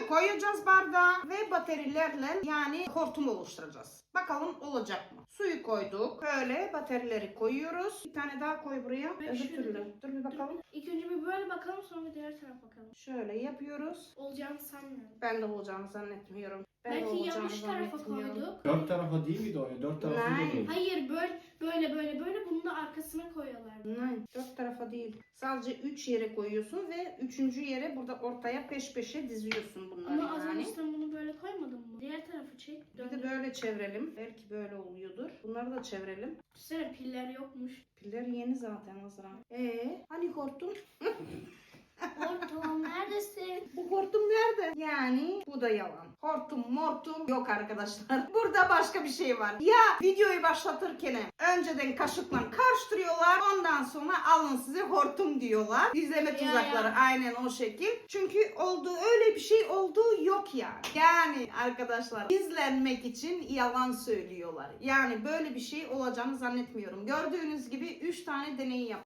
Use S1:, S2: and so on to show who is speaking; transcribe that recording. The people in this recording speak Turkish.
S1: koyacağız bardağa ve baterilerle yani hortum oluşturacağız. Bakalım olacak mı? Suyu koyduk. Böyle baterileri koyuyoruz. Bir tane daha koy buraya. Öbür türlü. Dur bir bakalım.
S2: İlk önce bir böyle bakalım, sonra diğer tarafa bakalım.
S1: Şöyle yapıyoruz.
S2: Olacağını sanmıyorum.
S1: Ben de olacağını zannetmiyorum. Ben de
S2: Belki
S1: olacağını
S2: yanlış tarafa
S1: zannetmiyorum.
S2: koyduk.
S3: Dört tarafa değil miydi o ya? Dört tarafı
S1: Nein.
S3: değil.
S2: Hayır, böyle bunu da arkasına koyuyorlar.
S1: Hayır, 4 tarafa değil. Sadece 3 yere koyuyorsun ve 3. yere burada ortaya peş peşe diziyorsun bunları.
S2: Ama az
S1: yani.
S2: önce sen bunu böyle koymadın mı? Diğer tarafı çek.
S1: Bir de böyle çevirelim. Belki böyle oluyordur. Bunları da çevirelim.
S2: Düşünsene, piller yokmuş.
S1: Piller yeni zaten Azra. Hani hortum?
S2: Ortam neredesin?
S1: Bu hortum nerede? Yani bu da yalan. Hortum mortum yok arkadaşlar. Burada başka bir şey var. Ya videoyu başlatırken önceden kaşıkla karıştırıyorlar. Ondan sonra alın size hortum diyorlar. İzleme tuzakları aynen o şekil. Çünkü öyle bir şey olduğu yok yani. Yani arkadaşlar izlenmek için yalan söylüyorlar. Yani böyle bir şey olacağını zannetmiyorum. Gördüğünüz gibi 3 tane deney yaptım.